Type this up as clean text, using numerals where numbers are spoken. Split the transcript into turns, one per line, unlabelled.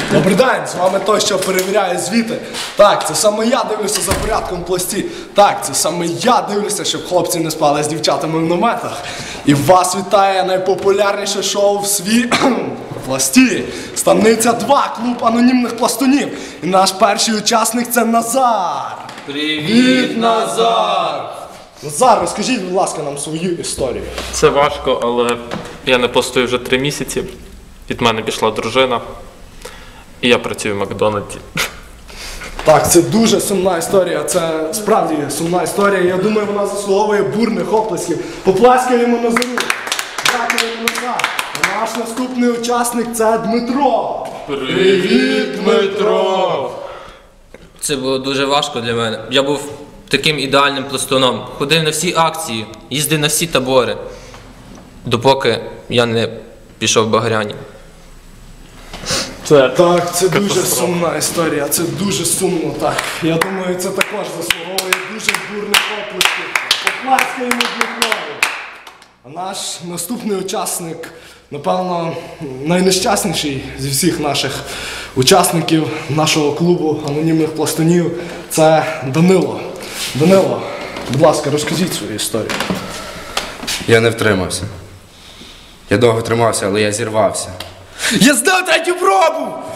Добрий день, з вами той, що перевіряє звіти. Так, це саме я дивлюся за порядком в пласті. Так, це саме я дивлюся, щоб хлопці не спали з дівчатами в наметах. І вас вітає найпопулярніше шоу в пласті. Станиця 2, клуб анонімних пластунів. І наш перший учасник – це Назар.
Привіт, Назар!
Назар, розкажіть, будь ласка, нам свою історію.
Це важко, але я не пластую вже 3 місяці. Від мене пішла дружина. І я працюю в Макдональдсі.
Так, це дуже сумна історія, це справді сумна історія. Я думаю, вона заслуговує бурних оплесків. Поплескаємо Назару. Дякуємо, Назар. Наш наступний учасник – це Дмитро.
Привіт, Дмитро!
Це було дуже важко для мене. Я був таким ідеальним пластуном. Ходив на всі акції, їздив на всі табори, допоки я не пішов в Багряні.
Так, це дуже сумна історія, це дуже сумно, так. Я думаю, це також заслуговує дуже бурних оплесків. Поплескаємо Дмитрові. А наш наступний учасник, напевно, найнещасніший зі всіх наших учасників нашого клубу анонімних пластунів – це Данило. Данило, будь ласка, розкажіть свою історію.
Я не втримався. Я довго тримався, але я зірвався. Я здав третю пробу!